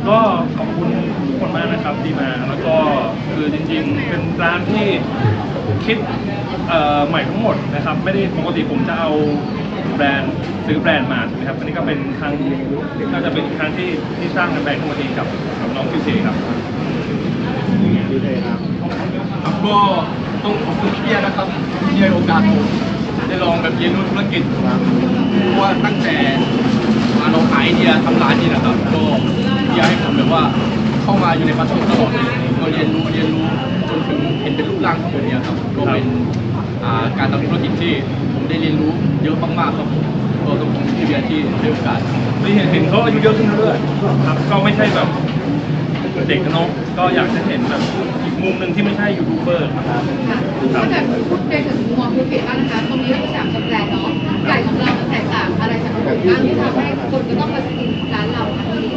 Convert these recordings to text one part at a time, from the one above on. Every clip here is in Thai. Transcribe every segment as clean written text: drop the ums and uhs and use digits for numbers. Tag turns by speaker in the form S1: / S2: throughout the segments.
S1: ก็ขอบคุณทุกคนมากนะครับที่มาแล้วก็คือจริงๆเป็นร้านที่คิดใหม่ทั้งหมดนะครับไม่ได้ปกติผมจะเอาแบรนด์ซื้อแบรนด์มาใช่ไหมครับอันนี้ก็เป็นครั้งน่าจะเป็นครั้งที่สร้างแบรนด์ขึ้นมาเองกับน้องคิวเทครับ
S2: ครับก็ต้องขอบคุณพี่เบียร์นะครับที่ให้โอกาสผมได้ลองแบบเรียนรู้ธุรกิจเพราะว่าตั้งแต่มาลองขายไอเดียทำร้านนี่นะครับก็พี่เบียร์ให้ผมแบบว่าเข้ามาอยู่ในปาร์ตี้ตลอดเลยก็เรียนรู้จนถึงเห็นเป็นรูปร่างทั้งหมดเนี่ยครับก็เป็นการทำธุรกิจที่ผมได้เรียนรู้เยอะมากๆครับผมก็ต้องขอบคุณพี่เบียร์ที่ให้โอกาส
S1: ที่เห็นเขาอายุเยอะขึ้นเรื่อยๆครับก็ไม่ใช่แบบเด็กน้องก็อยากจะเห็นแบบอีกมุมหนึ่งที่ไม่ใช่ยูทูบเบอร์ครับ
S3: ถ้าเกิดพูดในถึงมองธุรกิจบ้างนะคะตรงนี้เราก็สามสแบรนด์เนาะไก่ของเราแตกต่างอะไรจากคนอื่นบ้างที่ทำให้คนก็ต้องมากินร้านเราค่ะพี่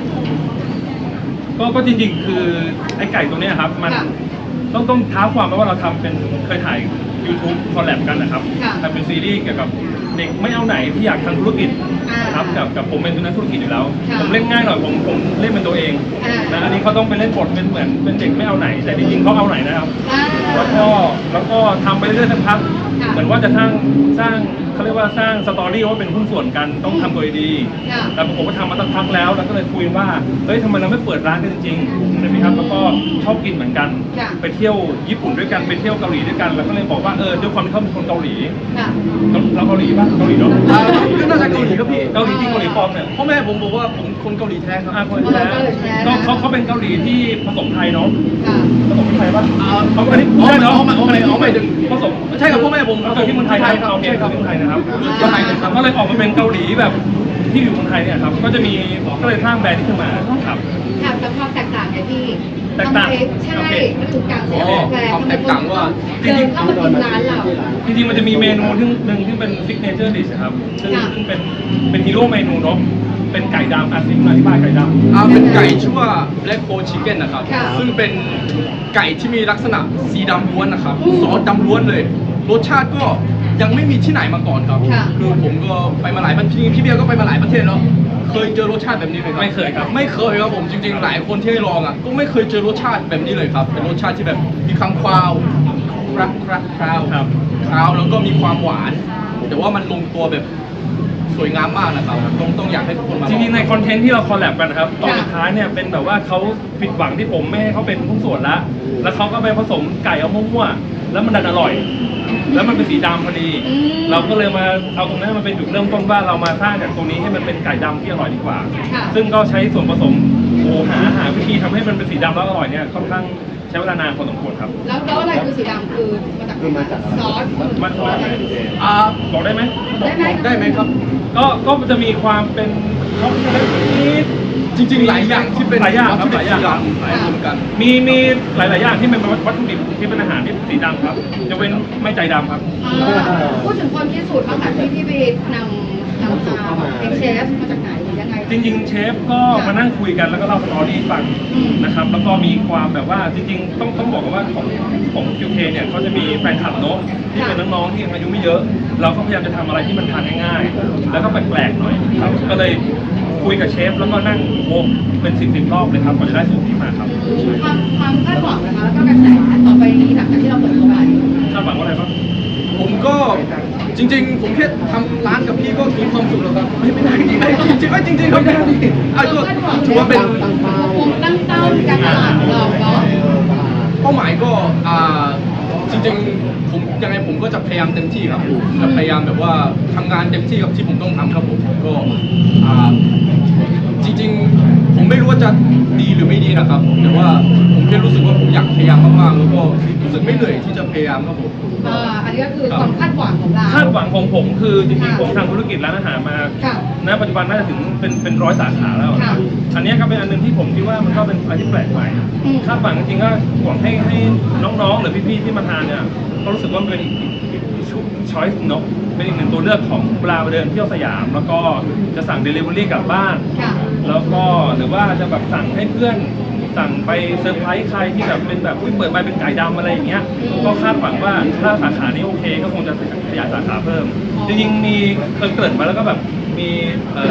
S1: ก็จริงๆคือไอ้ไก่ตัวนี้ครับมันต้องท้าความว่าเราทำเป็นเคยถ่าย YouTube คอลแลบกันนะครับทำเป็นซีรีส์เกี่ยวกับเด็กไม่เอาไหนที่อยากทำธุรกิจครับกับผมเป็นนักธุรกิจอยู่แล้วผมเล่นง่ายหน่อยผมเล่นเป็นตัวเองนะอันนี้เขาต้องไปเล่นบทเป็นเหมือนเป็นเด็กไม่เอาไหนแต่จริงๆเขาเอาไหนนะครับแล้วก็ทำไปเรื่อยๆสักพักเหมือนว่าจะสร้างเขาเรียกว่าสร้างสตอรี่ว่าเป็นหุ้นส่วนกันต้องทำโดยดีแต่ผมก็ทำมาสักพักแล้วก็เลยคุยว่าเฮ้ยทำไมเราไม่เปิดร้านกันจริงๆใช่ไหมครับแล้วก็ชอบกินเหมือนกันไปเที่ยวญี่ปุ่นด้วยกันไปเที่ยวเกาหลีด้วยกันแล้วก็เลยบอกว่าด้วยความที่เขาเป็นคนเกาหลีเราเกาหลีป่ะเกาหลีเนาะ
S2: ก็น่าจะเกาหลีครับพี่
S1: เกาหลีที่เกาหลีปลอมเนี่ย
S2: พ่อแม่ผมบอกว่าผมคนเกาหลีแท้ครับ
S1: คนแท้ก็เขาเป็นเกาหลีที่ผสมไทยเนาะผสมไทยป่ะเขาอันนี้ใช่เนาะ
S2: ไม่ถึง
S1: ผสม
S2: ใช่ครับพ่อแม่ผม
S1: ผสมที่เมืองไทยครับโอเคครับเมืองไทยนะครับก็เลยออกมาเป็นเกาหลีแบบที่อยู่เมืองไทยเนี่ยครับก็เลยสร้างแบรนด์นี้ขึ้นมาครับ
S3: แต่ความแตกต่างไงพี่
S1: แตกต่าง
S3: ใช่มันถูกกางเสียแบรนด์
S2: ความแตกต่างว่า
S3: จริงๆเข้ามากินร้านเรา
S1: จริงๆมันจะมีเมนูหนึ่งที่เป็นซิกเนเจอร์ดิชครับซึ่งเป็นฮีโร่เมนูเนาะเป็นไก่ดำซิมอธิบายไก่ดำ
S2: เป็นไก่ชื่อว่า Black Cold Chicken นะครับซึ่งเป็นไก่ที่มีลักษณะสีดำล้วนนะครับซอสดำล้วนเลยรสชาติก็ยังไม่มีที่ไหนมาก่อนครับคือผมก็ไปมาหลายประเทศพี่เบียร์ก็ไปมาหลายประเทศแล้วเคยเจอรสชาติแบบนี้ไหมครับ
S1: ไม่เคยครับ
S2: ไม่เคยครับผมจริงๆหลายคนที่ให้ลองก็ไม่เคยเจอรสชาติแบบนี้เลยครับเป็นรสชาติที่แบบมีความคราวแล้วก็มีความหวานแต่ว่ามันลงตัวแบบสวยงามมากนะครับต้องอยากให้ทุกคนมา
S1: จริงๆในคอนเทนต์ที่เราคอลแลบกันนะครับตอนสุดท้ายเนี่ยเป็นแบบว่าเขาผิดหวังที่ผมไม่ให้เขาเป็นหุ้นส่วนแล้วเขาก็ไปผสมไก่เอามั่วๆแล้วมันดันอร่อยแล้วมันเป็นสีดำพอดีเราก็เลยมาเอาตรงนั้นมาเป็นจุดเริ่มต้นว่าเรามาสร้างจากตรงนี้ให้มันเป็นไก่ดำที่อร่อยดีกว่าซึ่งก็ใช้ส่วนผสมหาวิธีทำให้มันเป็นสีดำแล้วอร่อยเนี่ยค่อนข้างใช้เวลานานพอสมควรครับ
S3: แล้วอะไรคือสีดำคือมาจากซอส
S1: มันบอกได้ไหม
S2: ได้ไหมครับ
S1: ก็จะมีความเป็นช็อกโกแลตนิด
S2: จริงๆหลายอย่างที่เป็น
S1: หลายอย่างครับหลายอย่าง
S2: กัน
S1: มีหลายๆอย่างที่เป็นวัตถุดิบที่เป็นอาหารที่สีดำครับจะเป็นไม่ใจดำครับ
S3: พูดถึงคนที่สูตรมาจากที่ไปนำเป็นเชฟมาจากไหนหรือยังไง
S1: จริงๆเชฟก็มานั่งคุยกันแล้วก็เล่าสตอรี่ฟังนะครับแล้วก็มีความแบบว่าจริงๆต้องบอกว่าของ QK เนี่ยเขาจะมีแฟนคลับเนาะที่เป็นน้องๆที่อายุไม่เยอะเราก็พยายามจะทำอะไรที่มันทานง่ายๆแล้วก็แปลกๆหน่อยครับก็เลยคุยกับเชฟแล้วก็นั่งเป็น10 รอบเลยครับกว่าจะได้สูตรนี้มาครับ
S3: ความคาดหวังนะคะแล้วก็กระแสต่อไปนี้หลังจากที่เราเปิดตัวไป
S1: คาดหวังว่าอะไรบ้าง
S2: ผมก็จริงๆผมแค่ทำร้านกับพี่ก็มีความสุขแล้วครับไม่ได้จริงครับก็ถือว่าเป็น
S3: ตั้งเป้าการตลาดของเราเนาะ
S2: เป้าหมายก็จริงๆผมยังไงผมก็จะพยายามเต็มที่ครับจะพยายามแบบว่าทำงานเต็มที่กับที่ผมต้องทำครับผมก็จริงๆผมไม่รู้ว่าจะดีหรือไม่ดีนะครับแต่ว่าผมแค่รู้สึกว่าผมอยากพยายามมากๆแล้วก็รู้สึกไม่เหนื่อยที่จะพยายามครับผม
S3: อันนี้ก็คือความคาดหวังของเรา
S1: คาดหวังของผมคือจริงๆผมทำธุรกิจร้านอาหารมาณปัจจุบันน่าจะถึงเป็น100 สาขาแล้วอันนี้ก็เป็นอันนึงที่ผมคิดว่ามันก็เป็นอะไรที่แปลกใหม่คาดหวังจริงๆก็หวังให้น้องๆหรือพี่ๆที่มาทานเนี่ยก็รู้สึกว่าเป็นช้อยส์เนาะเป็นอีกหนึ่งตัวเลือกของเวลาไปเดินเที่ยวสยามแล้วก็จะสั่ง Delivery กลับบ้านแล้วก็หรือว่าจะแบบสั่งให้เพื่อนสั่งไปเซอร์ไพรส์ใครที่แบบเป็นแบบเปิดมาเป็นไก่ดำอะไรอย่างเงี้ยก็คาดหวังว่าถ้าสาขานี้โอเคก็คงจะขยายสาขาเพิ่มจริงๆมีเกริ่นมาแล้วก็แบบมี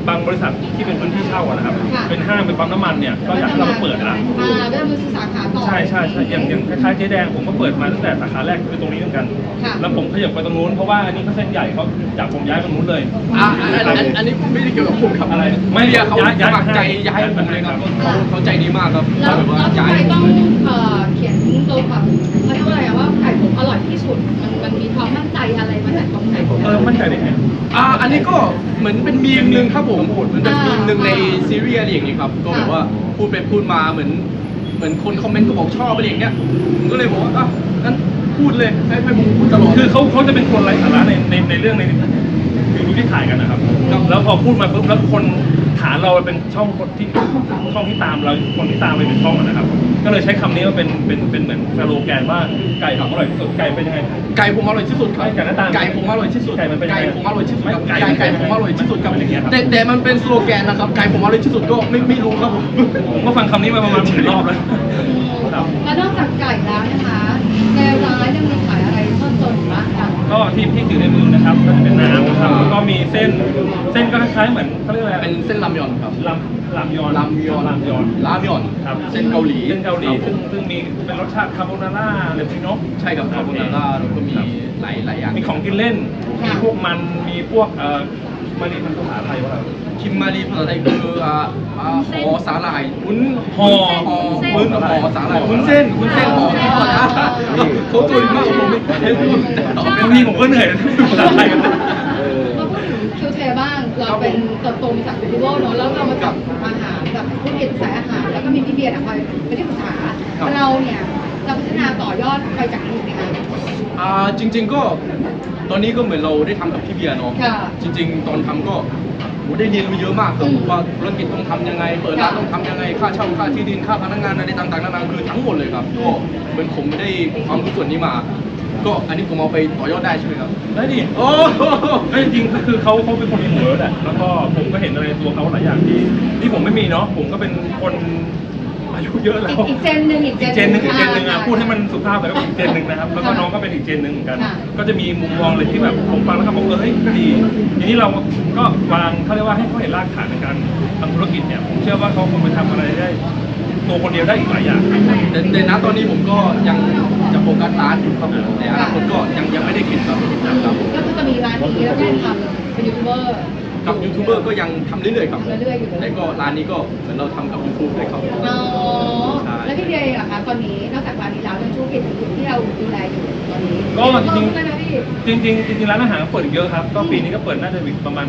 S1: บางบริษัทที่เป็นพื้นที่เช่าอะนะครับเป็นห้างเป็นปั๊มน้ำมันเนี่ยก็อยากให้เรามาเปิดละ
S3: ก็จะมีสาขาต่อ
S1: ใช่อย่างคล้ายๆเจ๊แดงผมก็เปิดมาตั้งแต่สาขาแรกคือตรงนี้เหมือนกัน
S3: ค่ะ
S1: แล้วผมขยับไปตรงนู้นเพราะว่าอันนี้เขาเส้นใหญ่เขาจากผมย้ายไปตรงนู้นเลย
S2: อันนี้ไม่ได้เกี่ยวกับผมครับ
S1: อะไร
S2: ไม่เดียเขา
S1: ย้าย
S2: สมัครใจ
S1: ย้า
S2: ย้าย ยผมเลยครับ
S1: ครับ
S2: เขาใจดีมากครับ
S3: แล้ว
S2: แบบว่า
S3: ทำ
S2: ย้า
S3: ไม
S2: ย
S3: ต้องเขียนตัวแบบเขาเรียกว่าอะไรอะว่าไก่ผมอร่อยที่สุดมันมีความมั่นใจอะไรมาจากตรงไหน
S1: มั่นใจได้ไง
S2: อันนี้ก็เหมือนเป็นมีมหนึ่งครับผมมันเป็นมีมหนึ่งในซีรีส์อะไรอย่างนี้ครับก็แบบว่าพูดไปพูดมาเหมือนคนคอมเมนต์ก็บอกชอบอะไรอย่างเงี้ยผมก็เลยบอกว่างั้นพูดเลยให้ผมพูดตลอด
S1: คือเขาจะเป็นคนไร้สาระในเรื่องในยูทูบที่ถ่ายกันนะครับ แล้วพอพูดมาปุ๊บแล้วคนฐานเราเป็นช่องคนที่ตามเราคนที่ตามไปเป็นช่องอะนะครับ ก็เลยใช้คำนี้ว่าเป็นเหมือนสโลแกนว่าไก่ของอร่อยที่สุดไก่เป็นยังไง
S2: ไก่ผมอร่อยที่สุดครับ
S1: ไก่หน้าตา
S2: ไก่ผมอร่อยที่สุด
S1: ไก่มันเป็นยังไง
S2: ผมอร่อยที่สุดครับ
S1: ไก่
S2: ไก่ผมอร่อยที่สุดครับ
S1: มันอย่างเงี้ยครับ
S2: แต่มันเป็นสโลแกนนะครับไก่ผมอร่อยที่สุดก็ไม่รู้ครับผม
S1: ผมก็ฟังคำนี้มาประมาณ10 รอบแล้ว ครับ
S3: แล้วนอกจากไก่แล้วนะคะในร้านยังมีขายอะไรเพิ่มเติมอีกบ้างคะ
S1: ก็ที่ถือในมือนะครับก็จะเป็นน้ำนะครับแล้วก็มีเส้นก็คล้ายๆเหมือนเขาเรียกอะไร
S2: เป็นเส้นรามยอนครับ
S1: ลามยอน
S2: รามยอน
S1: รามยอน
S2: รามยอน
S1: ครับ
S2: เส้นเกาหลี
S1: เส้นเกาหลี
S2: ครับ
S1: ซึ่งมีเป็นรสชาติคาโบนาร่าหรือพี่นก
S2: ใช่ครับคาโบนาร่าแล้วก็มีหลายอย่าง
S1: มีของกินเล่น มีพวกมันมีพวกมารีมันภาษาไทยว่าอะไร
S2: คิมมารีภาษาไทยคือห่อสาหร่ายวุ้น
S1: ห่อ
S2: วุ้นห่อสาหร่ายวุ้นเส้นห่อนะเขาตัวดีมากกว่าผมไม่รู้แต่ตอบ
S1: บางทีผมก็เหนื่อยนะภาษาไทยกันเลย
S3: มาพูดถึงคิวเทบ้าง เราเป็นเติบโตมาจากเฟสติวัลเนอะแล้วเรามาจับอาหารแบบธุรกิจสายอาหาร แล้วก็มีพี่เบียร์คอยเป็นที่ปรึกษาเราเนี่ยจะพัฒนาต่อยอดไปจากนี้ไหมคะ
S2: จริงๆก็ตอนนี้ก็เหมือนเราได้ทำกับพี่เบียร์เนาะ
S3: ค่ะ
S2: จริงๆ ตอนทำก็ได้เรียนรู้เยอะมากครับ
S3: อืม
S2: ว่าธุรกิจต้องทำยังไง เปิดร้านต้องทำยังไง ค่าเช่าค่าที่ดินค่าพนักงานอะไรต่างๆนานาคือทั้งหมดเลยครับก็เหมือนผมได้ความรู้ส่วนนี้มา ก็อันนี้ผมเอาไปต่อยอดได้ใช่ไหมครับ
S1: ได้ดิ
S2: โอ้
S1: ไม่จริงๆคือเขาเป็นคนมีหัวแหละแล้วก็ผมก็เห็นอะไรในตัวเขาหลายอย่างที่ผมไม่มีเนาะผมก็เป็นคนอายุเยอะแล้ว
S3: อีกเจนหนึ่ง
S1: อีกเจนหนึ่งอ่ะพูดให้มันสุภาพแต่ก็อีกเจนหนึ่งนะครับแล้วก็น้องก็เป็นอีกเจนหนึ่งเหมือนกัน
S3: ค่ะ
S1: ก็จะมีมุมมองเลยที่แบบผมฟังแล้วก็บอกเฮ้ยก็ดีทีนี้เราก็วางเขาเรียกว่าให้เขาเห็นรากฐานในการทำธุรกิจเนี่ยผมเชื่อว่าเขาคงไปทำอะไรได้ตัวคนเดียวได้อีกหลายอย่าง
S2: แต่ณตอนนี้ผมก็ยังจะโฟกัสร้านอยู่ครับผมในอนาคตก็ยังไม่ได้คิดครับครับ
S3: ก็คือจะมีร้านนี้แล้วก็ทำเป็นยูทูบเบอร์
S2: กับยูทูบเบอร์ก็ยังทำเรื่อยๆครับ
S3: เรื่อยๆอยู่
S2: แล้วก็ร้านนี้ก็เหมือนเราทำกับยูทูบด้วยครับ
S3: อ๋อ
S2: ใช่
S3: แล้วพี่เบียร์เองเหรอคะตอนนี้นอกจากร้านนี้แล้วเป็นธุรกิจอื่นๆที่เราดูแลอยู่ตอนนี้
S1: ก็จริง
S3: ๆนะพี่
S1: ๆจริงร้านอาหารเปิดอีกเยอะครับก็ปีนี้ก็เปิดน่าจะอีกประมาณ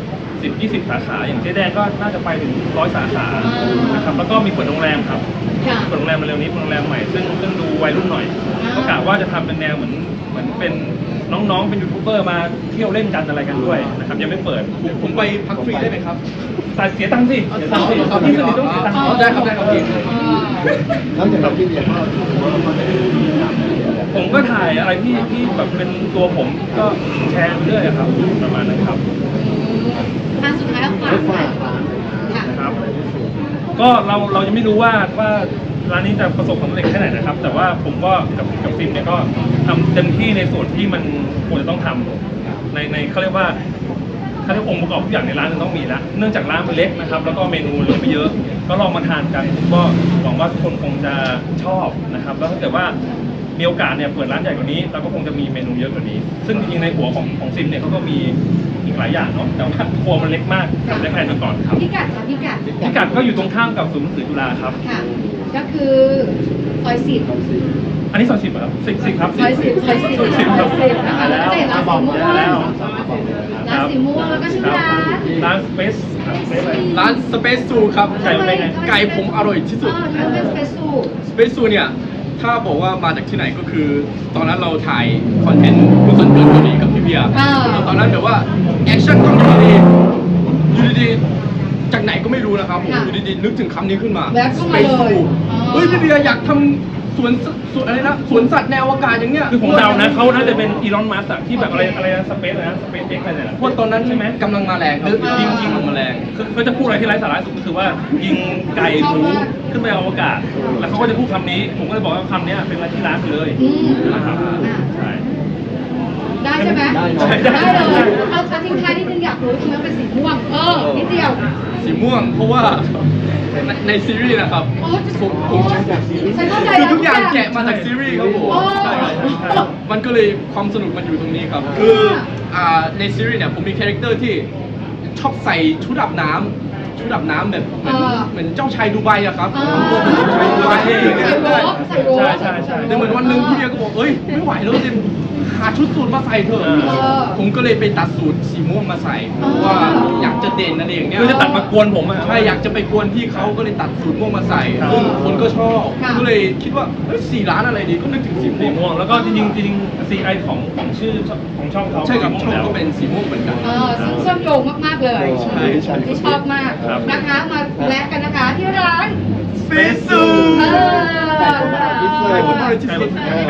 S1: 10-20 สาขาอย่างเจ๊แดงก็น่าจะไปถึง100 สาขานะครับแล้วก็มีเปิดโรงแรมครับ
S3: ค่ะ
S1: เปิดโรงแรมมาเร็วนี้เป็นโรงแรมใหม่ซึ่งดูวัยรุ่นหน่อย ก็กะว่าจะทำเป็นแนวเหมือนเป็นน้องๆเป็นยูทูบเบอร์มาเที่ยวเล่นกันอะไรกันด้วยนะครับยังไม่เปิด
S2: ผมไปพักฟรีได้ไหมครับ
S1: แต่เสียตังค์สิเสียตังค์สิที่สนิทต้องเสียตังค์
S2: ได้ครับได้ครับพี่
S4: แล้วอย่างเราที่เรียนก็ถือว่าเขาได้ทำอะไร
S1: ผมก็ถ่ายอะไรที่แบบเป็นตัวผมก็แชร์ไปเรื่อยอะครับประมาณนั้นครับ
S3: ทางสุดท้ายแล้วฝาก
S4: ฝากร้าน
S3: ค่ะ
S1: นะครับ ก็เรายังไม่รู้ว่าร้านนี้จะประสบความสำเร็จแค่ไหนนะครับ แต่ว่าผมก็กับฟิล์มเนี่ยก็ทำเต็มที่ในส่วนที่มันควรจะต้องทำในเขาเรียกว่าองค์ประกอบทุกอย่างในร้านมันต้องมีละเนื่องจากร้านมันเล็กนะครับ แล้วก็เมนูเหลือไม่เยอะ ก็ลองมาทานกันผมก็หวังว่าทุกคนคงจะชอบนะครับ แล้วถ้าเกิดว่ามีโอกาสเนี่ยเปิดร้านใหญ่กว่านี้เราก็คงจะมีเมนูเยอะกว่านี้ ซึ่งจริงๆในหัวของซิมเนี่ยเขาก็มีอีกหลายอย่างเนาะแต่ว่าครัวมันเล็กมากทำได้แค่นี้ก่อนครับ
S3: พิกัดค่ะพิกัด
S1: พิกัดก็อยู่ตรงข้ามกับศูนย์หนังสือจุฬาครับ
S3: ค่ะ ก็คือซอย10
S1: อันนี้ซอย10ครับ10ครับ
S3: ซอย10ซอย10
S1: ซอย10ครับ
S3: นะคะแล้วก็จะเห็นร้านสีม่วง
S1: แล้ว
S3: ร้านสีม่วงแล้วก็ชื่อร้าน
S1: ร้าน Space ครับ Space อะไร
S2: ร้านสเปซซูครับ
S1: ไก่เป็นไง
S2: ไก่ผมอร่อยที่สุด
S3: ทำเป็นสเปซซู
S2: สเปซซูเนี่ยถ้าบอกว่ามาจากที่ไหนก็คือ ตอนนั้นเราถ่ายคอนเทนต์คุณสันเกิดเกาหลีกับพี่เบียร์ตอนนั้นแบบว่าแอคชั่นต้องอยู่ดีๆจากไหนก็ไม่รู้นะครับผมอยู่ดีๆนึกถึงคำนี้ขึ้นมา
S3: แวะเข้ามาเลย
S2: เฮ้ยพี่เบียร์อยากทำสวนอะไรนะสวนสัตว์ในอวกาศอย่างเงี้ย
S1: คือผมเดานะเขาน่าจะเป็นอีลอนมัสก์ที่แบบอะไรนะสเปซนะสเปซเอ็กอะไรเนี่ยนะ
S2: เพราะตอนนั้น
S1: ใช่ไหม
S2: กำลังมาแรงครับจริงๆมาแรง
S1: คือเขาจะพูดอะไรที่ไร้สาระสุดก็คือว่ายิงไก่หมูขึ้นไปอวกาศ แล้วเขาก็จะพูดคำนี้ ผมก็เลยบอกว่าคำนี้เป็นอะไรที่ร้านไปเลย
S3: อืม
S1: นะครับใช่
S3: ได้ใช่ไหม
S4: ได้เนอะ
S3: ได้เลยเอาทิ้งท้ายนิดนึงอยากรู้ทำไมเป็นสีม่วงนิดเดียว
S2: สีม่วงเพราะว่าในซีรีส์นะครับ
S3: โอ้
S2: ผม
S3: ฉันเข้าใจ
S2: คือ
S3: แล้ว
S2: ทุกอย่างแกะมาจากซีรีส์ครับผม
S3: โอ้
S2: ใช่ครับมันก็เลยความสนุกมันอยู่ตรงนี้ครับ คือในซีรีส์เนี่ยผมมีคาแรคเตอร์ที่ชอบใส่ชุดอาบน้ำแบบเหมือนเจ้าชายดูไบอะครับ
S3: ใส่โรบใส่โรบ
S1: ใช่
S2: แต่เหมือนวันหนึ่งพี่เบียร์ก็บอกเอ้ยไม่ไหวแล้วเจมหาชุดสูทมาใส่เถอะ ผมก็เลยไปตัดสูทสีม่วงมาใส่เพราะว่าอยากจะเด่นนั่นเองเนี่ย
S1: คือจะตัดมากวนผมอะ
S2: ใช่อยากจะไปกวนพี่เขาก็เลยตัดสูทม่วงมาใส่
S1: ครับ
S2: ซึ่งคนก็ชอบ
S3: ค่ะ
S2: ก็เลยคิดว่าเอ้ยสีร้านอะไรดีก็นึกถึงสี
S1: สี
S2: ม่วง
S1: ม่วงแล้วก็จริงๆ CI ของชื่อของช่องเขา
S2: ใช่ครับช่อง
S1: แล้ว
S2: ก็เป็นสีม่วงเหมือนกัน
S3: ซึ่งเชื่อมโยงมากๆเลย
S2: ใช่ใช่
S3: ที่ชอบมาก
S1: ครับ
S3: นะคะมาแลกกันนะคะที่ร้าน
S2: ฟิซู
S3: เออ
S4: แต่คนละพิเศษ
S2: คนละพิเศษ